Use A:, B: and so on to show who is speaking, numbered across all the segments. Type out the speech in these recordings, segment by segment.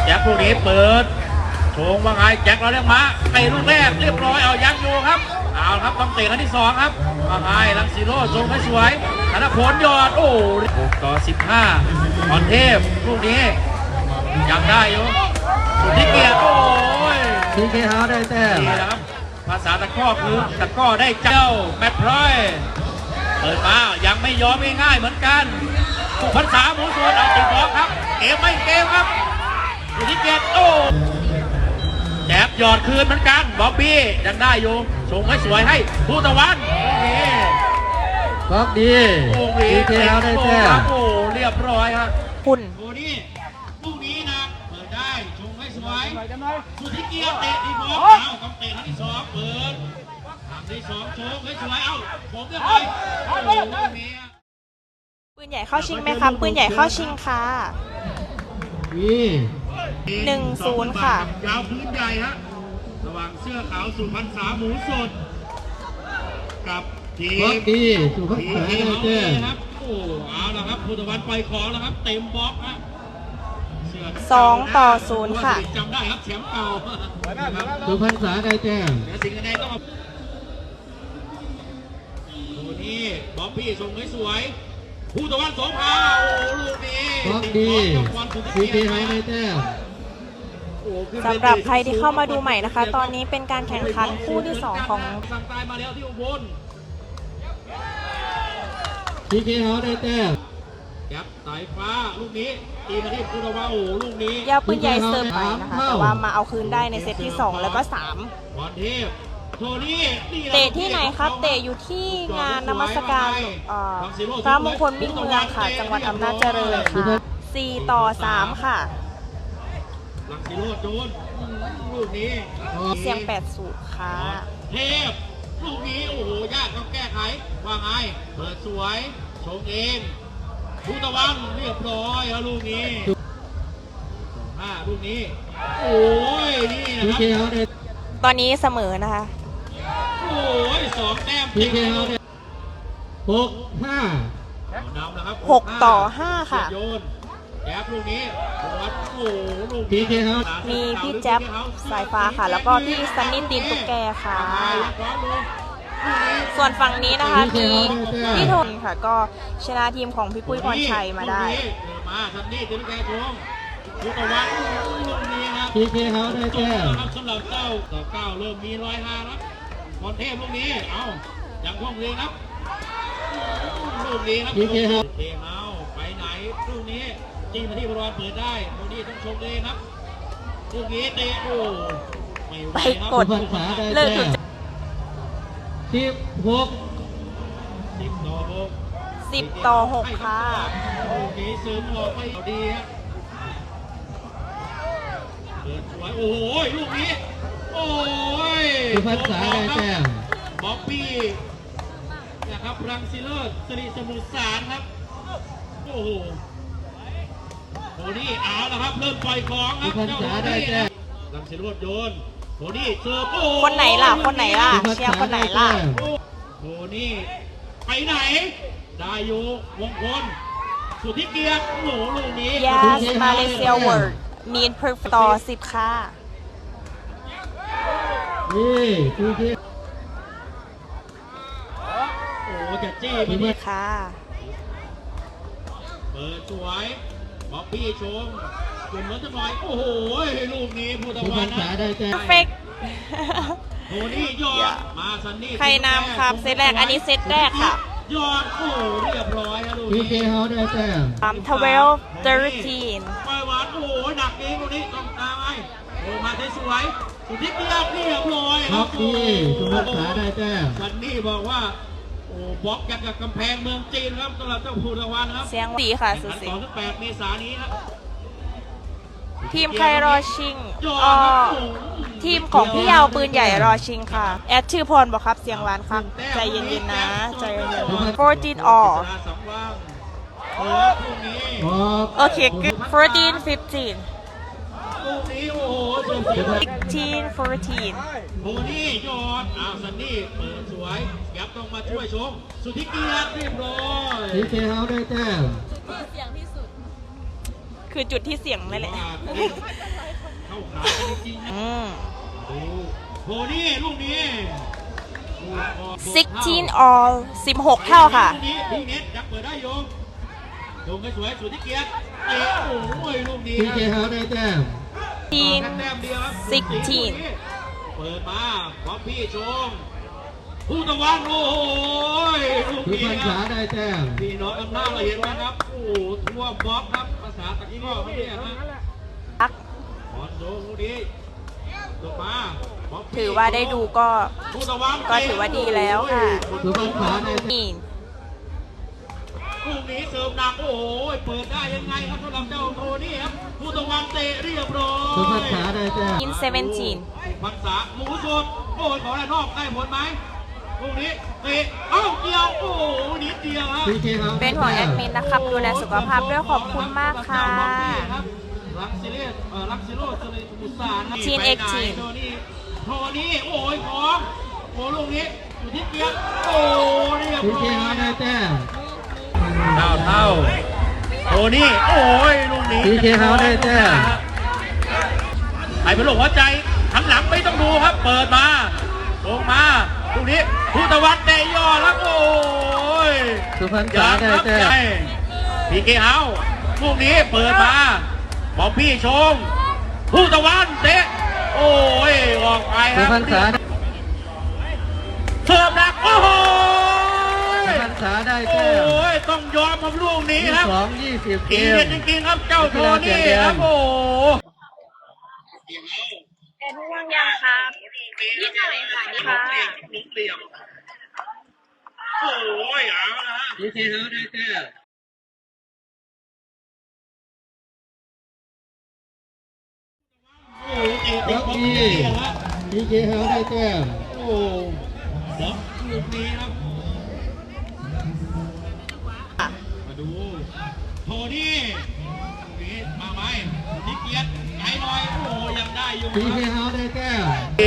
A: แจ็คลูกนี้เปิดโชงว่าไงแจ็คเราเรียกมาเตะลูกแรกเรียบร้อยเอายังอยู่ครับเอาครับต้องเตะครั้งที่2ครับว่าไงลังสีโร่โชงไม่สวยธนพลยอดโอ้6 ต่อ 15พรเทพลูกนี้ยังได้อยู่สุดที่เกียรติโอ้ย
B: ทีเคเฮาได้แต้ม
A: นี่นะครับภาษาตะก้อคือตะก้อได้เจ้าแมตต์พลอยเปิดมายังไม่ยอมง่ายๆเหมือนกันสุพรรษาหมูสวนเอาติดบล็อกครับเกมไม่เกมครับสุดที่เกียรติโอ้แอบหยอดคืนเหมือนกันบ๊อบบี้ยังได้อยู่ส่งให้สวยให้ผู้ตะวันโอเค
B: บล็อกดีทีเคเฮาได้แต้ม
A: โอ้เรียบร้อยครับ
C: คุณ
A: โอ้นี่ลูกนี้นะเปิดได้ชงให้สวยสุดที่เกียรติเตะดีบอลเอาต้องเตะครั้งที่2เปิดครั้งที่2ชงให้สวยเอาผมจะไปโอ้นี่
C: ปืนใหญ่เข้าชิงไหมครับปืนใหญ่เข้าชิงค่ะ1-0ค่ะ
A: ยาวพื้นใหญ่ฮะระหว่างเสื้อขาวสุพรรษาหมูสดกับทีม
B: สุพรรษาได้แต้ม
A: ครับโอ้เอาละครับผู้ตะวันปล่อยของแล้วครับเต็มบล็อกฮะ
C: 2-0ค่ะ
A: จำได้ครับแชมป์เก่า
B: สุพรรษาได้แต้ม
A: สิ่งใดต้องโอ้นี่บ๊อบบี้ส่งให้สวยผู้ตะวันสองพาโอ้ลูกนี้
B: บล็อกดีทีเคเฮาได้แต้ม
C: สำหรับใครที่เข้ามาดูใหม่นะคะตอนนี้เป็นการแข่งขันคู่ที่2ของ
A: สั่งตายมาแล้วที่อุบล
B: ทีเคเฮาได้แต้ม
A: แก๊ปสายฟ้าลูกนี้ตีมาที่ผู้ตะวันโอ้ลูกนี้
C: ยาวปืนใหญ่เสิร์ฟไปนะคะแต่ว่ามาเอาคืนได้ในเซตที่2แล้วก็3
A: พรเทพโทนี่
C: เตะที่ไหนครับเตะอยู่ที่งานนมัสการพระมงคลมิ่งเมืองค่ะจังหวัดอำนาจเจริญค่ะ4-3ค่ะ
A: ลังสีโรดโดนลูกนี้
C: เสียง80ค่ะ
A: เทพลูกนี้โอ้โหยากต้องแก้ไขว่าไงเปิดสวยชงเองผู้ตะวันเรียบร้อยแล้วลูกนี้ลูกนี้โอ้ยนี่นะครับ
C: ตอนนี้เสมอนะคะ
A: โอ้ย2 แต้ม
B: ทีเคเฮาได้6-5
A: นำนะครับ
C: 6-5ค่ะ
A: โยนแจ๊บลูกนี้โอ้ลูก
B: ทีเคเฮา
C: มีพี่แจ๊บสายฟ้าค่ะแล้วก็พี่ซันนี่ตีนตุ๊กแกค่ะส่วนฝั่งนี้นะคะมีพี่ทนค่ะก็ชนะทีมของพี่ปุ้ยพรชัยมาได้
A: มาซันนี่ตีนตุ๊กแกชงลูกตะวันลูกนี้ครับ
B: ทีเคเฮาได้แต้ม
A: สำหรับเจ้าต่อ9เริ่มมี105แล้วพรเทพลูกนี้เอาอย่างพวกนี้ครับลูกนี้ครับ
B: ทีเคเฮา
A: ไปไหนลูกนี้จีมาที่บอลเปิดได้ลูกนี้ต้องชมเลยครับลูกนี้เตะโอ้ไม่ไหวครับ
C: กด
B: เลิก16
C: 10-6ค่ะ
A: ลูกนี้ซึมออกไม่ดีฮะเปิดสวยโอ้ยลูกนี้โอ้ย
B: สุพรรษาได้แต้ม
A: บ๊อบบี้นะครับรังสีเลิศสิริสมุทรสารครับโอ้โหโหนี่เอาละครับเริ่มปล่อยของครับ
B: สุพรรษาได้แต้ม
A: รังสีเลิศโยนโหนี่เสิร์ฟโอ้
C: คนไหนล่ะเชียร์คนไหนล่ะ
A: โหนี่ไปไหนได้อยู่วงพลสุทธิเกียรติโหลูกนี้
C: Yes Malaysia World Need Perfect ต่อ10ค่ะ
B: นี่ทีเค
A: โอ้จะจี้ไป
C: นี่ค่ะ
A: เปิดสวยบ๊อบบี้ชงกลุ่มรถจะหน่อยโอ้โหลูกนี้ผู้ตะวันนะ
C: Perfect
A: โหนี่ยอดมาซันนี่
C: ใครนำครับเซตแรกอันนี้เซตแรกค่ะ
A: ยอดโอ้เรียบร้อยแล้วลูก
B: ทีเคเฮาได้แต้ม
C: 12-13
A: ไปหวานโอ้ยหนักเองลูกนี้ต้องตามไอ้โอ้มาสวยสุดที่เกียรติเรียบร้อย
B: ครับดีสุพรรษาได้แต้ม
A: ซันนี่บอกว่าโอ้บล็อกกันกับกำแพงเมืองจีนครับสำหรับเจ้าผู้ตะวันครับ
C: เสียงดีค่ะสุด
A: 8 เมษายนนี้ครับ
C: ทีมใครรอชิงทีมของพี่ยาวปืนใหญ่รอชิงค่ะแอดชื่อพรบอกครับเสียงหวานครับใจเย็นๆนะใจเย็นๆ14 all โอเค good 14 15 16 14
A: โหนี่ยอดซันนี่เปิดสวยแก๊ปต้องมาช่วยชมสุทธิเกียรติเรียบร้อย
B: ทีเคเฮาได้แต้ม
C: คือจุดที่เสี่ยงนั่นแหละ
A: เข้าขากันจริงๆนะ ดูโทนี่ลูกนี้
C: 16 all 16 เท่าค่ะ
A: ลูกนี้ลูกเน็ตยังเปิดได้โยงโยงสวยๆสุดที่เกียรติเตะโอ้ยลูกนี้
B: พีเคเฮาได้แต้ม
A: แต้มเดียวครับ
C: 16
A: เปิดมาพร้อมพี่ชงผู้ตะวันโอ้ยลูก
B: สุ
A: นี้
B: พรรณ
A: ค
B: ษา
A: รับ
B: ได้แต้ม
A: พี่น้องกันหน้าเราเห็นไหมครับโอ้โหทั่วบล็อกครับภาษาตะกี้ก็ไม่ได้นะบอลโดนลูกนี้ตกมาพร้มพี่
C: ถือว่าได้ดูก็
A: ผู้ตะวัน
C: ก็ถือว่าดีแล้วค่ะ
B: สุพรรณษาได้แต้ม
C: นี่
A: ลูกนี้เสริมหนักโอ้โหเปิดได้ยังไงครับสำหรับเจ้าโทนี่ครับผู้ตะวันเตะเรียบร้อย
B: สุพรรณษาได้แต้ม
C: in 17
A: พันษาหมูสดโอ้ยขอด้านนอกได้ผลไหมลูกนี้เตะเอ้าเดียวโอ้โหนิดเดียวฮะ
B: พีเคเฮา
C: เป็นห่วงแอดมินนะครับ ดูแลสุขภาพด้วยขอบคุณมากค่ะ
A: ลักซิเลสลักซิโรสเลตุสาน
C: ทีนเอ็กซ์ทีน
A: โทนี่โอ้ยของโอ้ลูกนี้อยู่ที่เกียร์โอ้เรียบ
B: พี
A: ร้
B: เค
A: อย
B: เฮาได้แต้ม
A: เท่าโทนี่โอ้ยลูกนี้
B: พีเคเฮาได้แต้ม
A: ไอ้เป็นลูกหัวใจข้างหลังไม่ต้องดูครับ เปิดมาลงมาลูกนี้ผู้ตะวันเตะย่อแล้วโอ้ย
B: สุพรรณษาได้แต้ม
A: พีเกเฮาลูกนี้เปิดมาบอกพี่ชงผู้ตะวันเตะโอ้ยออกไปค
B: สุ
A: รับ
B: พรรณษาได้
A: เสิร์ฟหนักโอ้โห
B: สุพรรณษาได้
A: โอ้
B: แต้ม
A: ยต้องยอมครับลูกนี้ครับ
B: 22-20 เก
A: ที
B: ม
A: เด็ดจริงๆครับเจ้าโทนี่ครับโอ้
C: เป็นห่วงยังครับนิดหน่อยค่ะนี่ค่ะ
A: ลูกเดี่ยวโอ้ยเอาละ
B: พีเคเฮาได้แต้ม
A: โอ้ย
B: ล็อกอีพีเคเฮาได้แต้ม
A: โอ้บล็อกลูกนี้ครับ มาดูโทนี่ลูกนี้มาไหมนิเกียรติไกลหน่อยโอ้ยังได้อยู่
B: พีเคเฮาได้แต้ม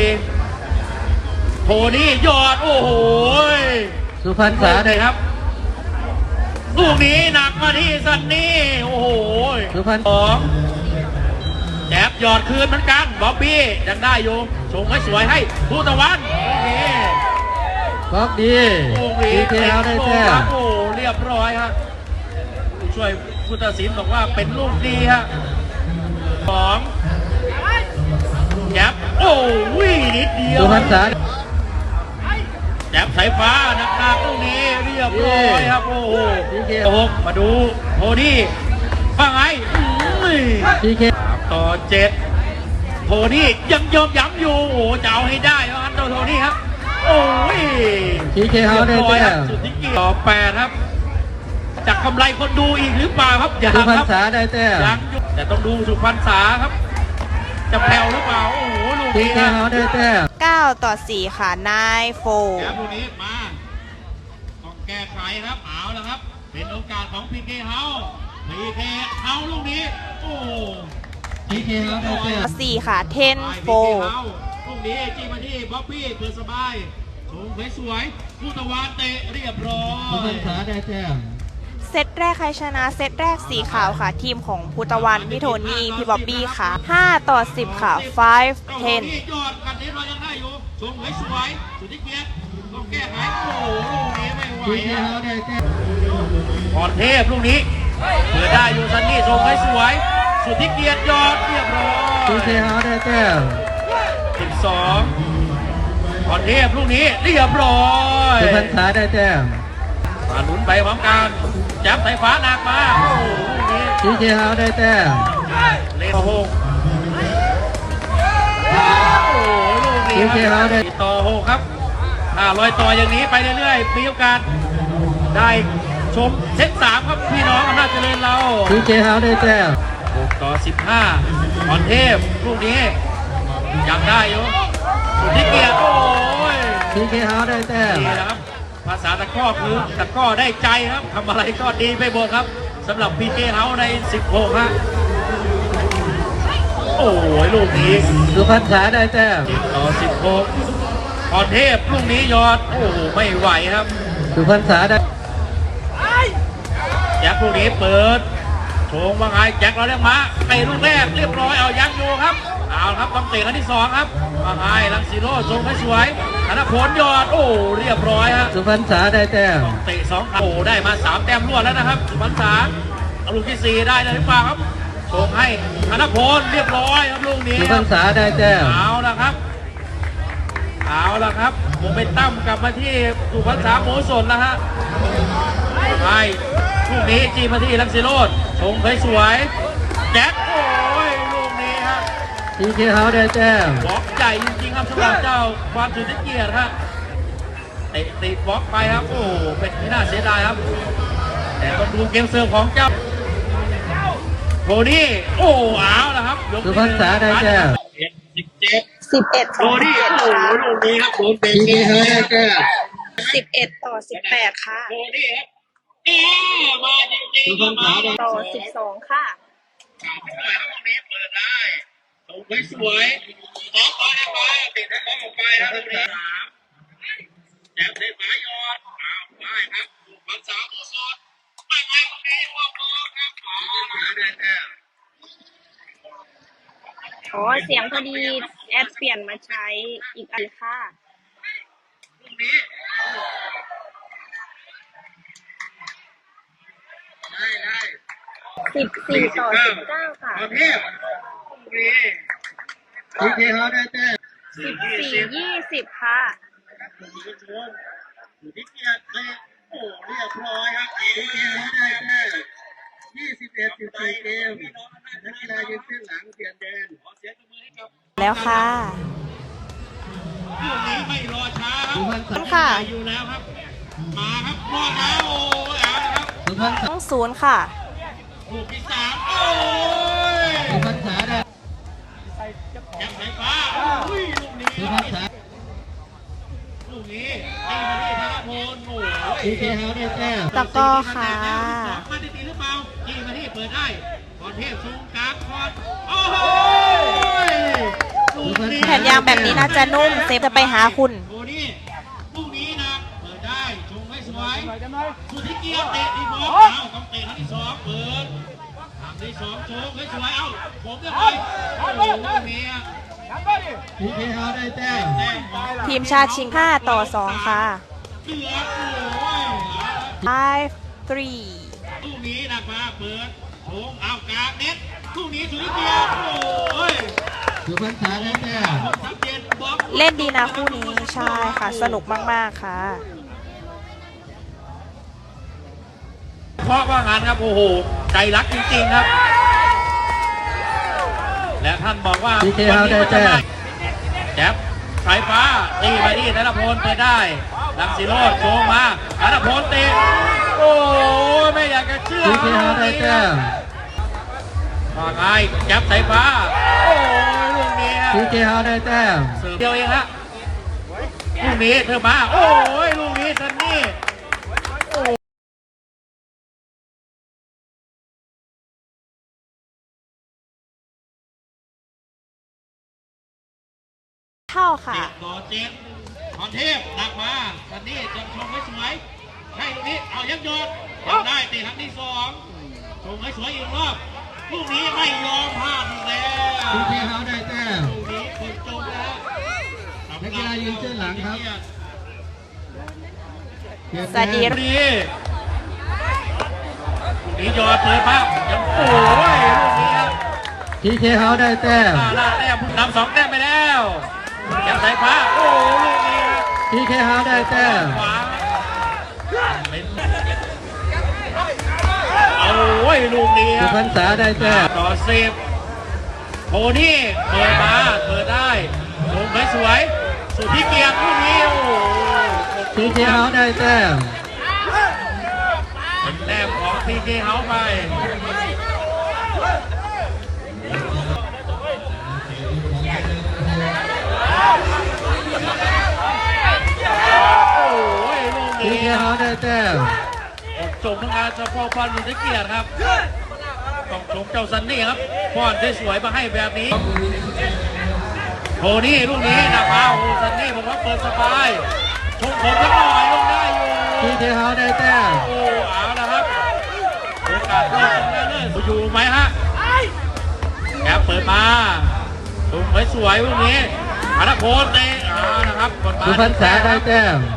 A: โทนี่ยอดโอ้โห
B: สุพรรณษาได้
A: ครับ ลูกนี้หนักมาที่ซันนี่โอ้โห
B: สุพรรณ
A: สองแจ็บหยอดคืนเหมือนกันบ๊อบบี้ยังได้อยู่ชงให้สวยให้ผู้ตะวันโอเค
B: บล็อกดี
A: โอ้โห
B: พีเคเฮาได้แต้ม
A: โอ้โหเรียบร้อยครับผู้ช่วยผู้ตัดสินบอกว่าเป็นลูกดีฮะสองแจ็บโอ้ยนิดเดียว
B: สุพรรณษา
A: แจ็บสายฟ้าหนักๆลูกนี้เรียบร้อยครับโอ้โหหกมาดูโทนี่ว่าไงอุ้ย
B: พีเค
A: ต่อ7โทนี่ยังยอมย้ำอยู่โอ้จะเอาให้ได้แล้วครับโทนี่ครับโอ้ย
B: พีเคเฮาได้
A: เรียบร้อย
B: แต้
A: ครับ
B: ม
A: สุดที่เกียรติต่อ8ครับจะกำไรคนดูอีกหรือเปล่าครับอย่า
B: สุพรร
A: ค
B: ณ
A: รับ
B: ษาได้แต้ม
A: ยังอยู่แต่ต้องดูสุพรรณษาครับ จะแผ่วหรือเปล่าโอ้โหลูก
B: พี
A: นี้
B: เค
A: นะ
B: เฮาได้แต้ม
C: 9-4 ค่ะนายโฟ
A: แกลูกนี้มาต้องแก้ไขครับเอาแล้วครับ เป็นโอกาสของพีเคเฮาลูกนี้โอ้
B: พีเคเฮาได้แต้ม
C: 4 ค่ะ10โฟ
A: ลูกนี้จี้มาที่บ๊อบบี้เปิดสบายชงสวยๆผู้ตะวันเตะเรียบร้อ
B: สุพร
A: ย
B: รณษาได้แต้ม
C: เซตแรกใครชนะ เซตแรกสีขาวค่ะ ทีมของพุตะวันพี่โทนี่พี่บ๊อบบี้ค่ะ5-10 ค่ะ5-10
A: ยอดกันนี้เรายังได้อยู่ชงสวยๆสุดที่เกียรติต้องแก้ไขโอ้โหลูกนี้ไม่ไหว
B: พีเค
A: อะ
B: เฮาได้แต้ม
A: พรเทพลูกนี้เปิดได้อยู่ซันนี่ส่งให้สวยสุดที่เกียรติยอดเรียบร้อย
B: พีเคเฮาได้แต้ม
A: 12พรเทพลูกนี้เรียบร้อย
B: สุพรรณษาได้แต้ม
A: มาลุ้นไปพร้อมกันจับสายฟ้าหนักมาโอ้โหลูกนี้
B: พีเคเฮาได้แต้ม
A: เลนหกโอ้โหลูกนี้
B: พีเคเฮาได้
A: ต่อ6ครับลอยต่ออย่างนี้ไปเรื่อยๆมีโอกาสได้ชมเซต3ครับพี่น้องอำนาจเจริญเรา
B: พีเคเฮาได้แต้ม
A: 6-15พรเทพลูกนี้ยังได้อยู่สุดที่เกียรติโอ้ย
B: พีเคเฮาได้แต้ม
A: นี่นะครับภาษาตะกร้อคือตะกร้อได้ใจครับทำอะไรก็ดีไปหมดครับสำหรับพีเจเฮาใน 16 ฮะโอ้ยลูกนี้
B: สุพรรณษาได้แต้ม
A: ต่อ 16พรเทพลูกนี้ยอดโอ้โหไม่ไหวครับ
B: สุพรรณษาได้
A: แจ็บลูกนี้เปิดโชงว่าไงแจ็คเราเรียกมาเตะลูกแรกเรียบร้อยเอายังอยู่ครับเอาครับต้องเตะครั้งที่2ครับว่าไงลังสีโร่ชงให้สวยธนพลยอดโอ้เรียบร้อยฮะ
B: สุพรรณษาได้แต้ม
A: เตะ2โอ้ได้มา3แต้มรวดแล้วนะครับสุพรรณษาเอาลูกที่4ได้เลยหรือเปล่าครับชงให้ธนพลเรียบร้อยครับลูกนี้
B: สุพรรณษาได้แต้ม
A: เอาละครับโมเมนตัมกลับมาที่สุพรรณษาโมสนแล้วฮะไปลูกนี้จีมาที่ลังสีโรดชงสวยๆแจ็คโอ้ยลูกนี้ฮะ
B: ทีเคเฮาได้แต้ม
A: บล็อกใหญ่จริงๆครับสำหรับเจ้าความสุดที่เกียรติครับเตะติดบล็อกไปครับโอ้เป็นที่น่าเสียดายครับ แต่ต้องดูเกมเสิร์ฟของเจ้าโทนี่โอ้เอาละครับยก
B: สุพรรณษาได้แต้ม
A: 17
C: 11
A: โทนี่โอ้ลูกนี้ครับโดนเตะ
B: ทีเคเฮาได้แต้ม
C: 11 ต่อ 18 ค่ะ
A: โทนี่ครับมาจริง
B: สุ
A: ๆ
B: พรรณษาได้
C: ต่อ 12 ค่ะ
A: ไม่ไหวแล้วพวกนี้เปิดได้ตรงสวยสองต่อได้ไปติดแล้วออกไปครับตรงนี้แจ็บได้หมายอดเอาไปครับบันสาวตัวสดไม่ไหวตรงนี้ว่างครับได้แต้ม
C: โอ้เสียงพอดีแอดเปลี่ยนมาใช้อีกอันค่ะ
A: ลูกนี้ได้
C: 14 ต่อ 19 ค่ะ
A: ประเภทลูกนี้
B: ทีเคเฮาได้แต้ม
C: 14 20 ค่ะ
A: อยู่ที่เกียร์เลยโอ้เรียบร้อยครับ
B: ทีเคเฮาได้แต้ม21-14เกมนักกีฬายืนขึ้นหลังเปลี่ยนแดน
C: แล้วค่ะ
A: ลูกนี้ไม่รอช้าค
B: สุพร
A: รั
B: ร
A: บ
B: ณษา
C: ค่ะ
A: อยู่แล้วครับ มาครับรอดแล้วโอ้ยเอาละครับ
B: สุพรรณษา
C: ต้องศูนย์ค่ะ
A: ลูกที่3โอ้ย
B: สุพรรณษาได้
A: แจ็คไฟฟ้าอุ้ยลูกนี้
B: สุพรรณษา
A: ลูกนี้ตีมาที่ธนพลโอ้ย
B: ทีเคเฮาได้แต้ม
C: ตะกร้อค่ะ
A: มาได้ตีหรือเปล่าตีมาที่เปิดได้พรเทพสูงกลางคอนโอ้โหลูกนี้
C: แผ่นยางแบบนี้น่าจะนุ่ม เซฟจะไปหาคุณ
A: โอ้นี่ลูกนี้นะเปิดได้ชงให้สวยสุดที่เกียร์เตะดีบอลเอาต้องเตะครั้งที่2เปิดครั้งที่2ชงให้สวยเอ้าผมจะไปโอ้โหลูกนี้
B: ทีเคเฮาได้แต้ม
A: แต้มของ
C: ทีมชาติชิง 5 ต่อ 2 ค่ะ
A: เหลือโอ้ย
C: 5 3
A: ลูกนี้นะมาเปิดชงเอากลางเน็ตลูกนี้สุดที่เกียร์โอ้ย
B: สุพรรณษาได้แต้ม
A: ชัดเจนบล็อก
C: เล่นดีนะคู่นี้ ใช่ค่ะ สนุกมาก ๆ ค่ะ
A: เพราะว่างานครับโอ้โหใจรักจริงๆครับ และท่านบอกว่า
B: ทีเคเฮาได้แต้ม
A: แจ๊บสายฟ้าตีไปที่ธนพลเปิดได้ลังสีโรดโชงมาธนพลเตะโอ้ยไม่อยากจะเชื่อ
B: ทีเคเฮาได้แต้ม
A: ว่าไงแจ๊บสายฟ้าโอ้ยลูกนี้ฮะ
B: ทีเคเฮาได้แต้ม
A: เสิร์ฟเดียวเองฮะลูกนี้เธอมาโอ้ยลูกนี้ซันนี่
C: เท่าค่ะ
A: 7 ต่อ 7พรเทพหนักมาซันนี่จะชงให้สวยใช่ลูกนี้เอายักยอดยังได้เตะครั้งที่2ชงให้สวยอีกรอบลูกนี้ไม่ยอมพลาดอีกแล้ว
B: ทีเคเฮาได้แต้ม
A: ลูกนี้คนจมแล้ว
B: นักกีฬายืนเส้นหลังครับเปลี่ยน
C: สวัสดี
B: แดน
A: ลูกนี้ยอดเปิดมายังโอ้ยลูกนี้ครับ
B: ทีเคเฮาได้แต้ม
A: ล่าแต้มนำ2 แต้มไปแล้วแก้มสายฟ้าโอ้ลูกนี้ครับ
B: ทีเคเฮาได้แต้ม
A: ขวาเป็นโอ้ยลูกนี้ค
B: สุ
A: รับ
B: พรรณษาได้แต้ม
A: ต่อ10โทนี่เปิดมาเปิดได้ลงสวยสุดที่เกียร์ลูกนี้โอ้โห
B: ทีเคเฮาได้แต้ม
A: เป็นแต้มของทีเคเฮาไปโอ้ยลูก
B: ที
A: นี้
B: เคเฮาได้แต้ม
A: จบทำงานเฉพาะพรสุดที่เกียรติครับต้องชมเจ้าซันนี่ครับป้อนสวยๆมาให้แบบนี้โทนี่ลูกนี้นะมาโอ้ซันนี่ผมว่าเปิดสบายชงผมสักหน่อยลงได้อยู่
B: ทีเคเฮาได้แต้ม
A: โอ้เอาละครับชงกาสเข้าชิงชนะเลิศอยู่ไหมฮะแกเปิดมาสูงสวยๆพวกนี้ธนพลเตะนะครับกดมา
B: สุพรรณษาได้แต้ม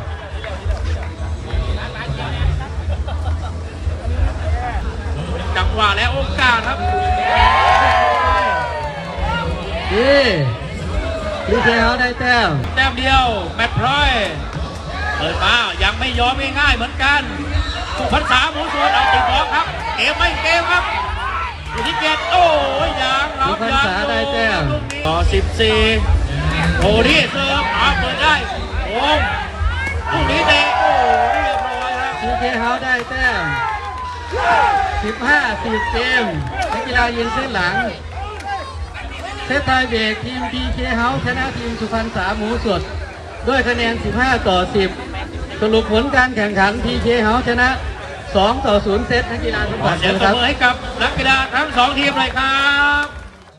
A: จังหวะและโอกาสครับ
B: ดีพีเคเฮาได้แต้ม
A: แต้มเดียวแมตต์พลอยเปิดมายังไม่ยอมง่ายๆเหมือนกันสุพรรณษาหมูสวนเอาติดบล็อกครับเกมไม่เกมครับอยู่ที่เกตโอ้ยยังครั
B: สุ
A: บ
B: พรรณ
A: ยัง
B: ษาได้แต้ม
A: ต่อ14โอ้นี่เสิร์ฟเปิดได้โอ้ลูกนี้เตะโอ้เรียบร้อยครับ
B: พีเคเฮาได้แต้ม15-10เกมนักกีฬายืนเส้นหลังเซตไทยเบรกทีมพีเคเฮาชนะทีมสุพรรณษาหมูสดด้วยคะแนน15-10สรุปผลการแข่งขันพีเคเฮาชนะ2-0เซตนักกีฬาทุก
A: ขอ
B: ฝ่าย
A: เสียง
B: นะ
A: ต
B: ค
A: บ
B: รับ
A: มือให้กับนักกีฬาทั้งสองทีมเลยครับ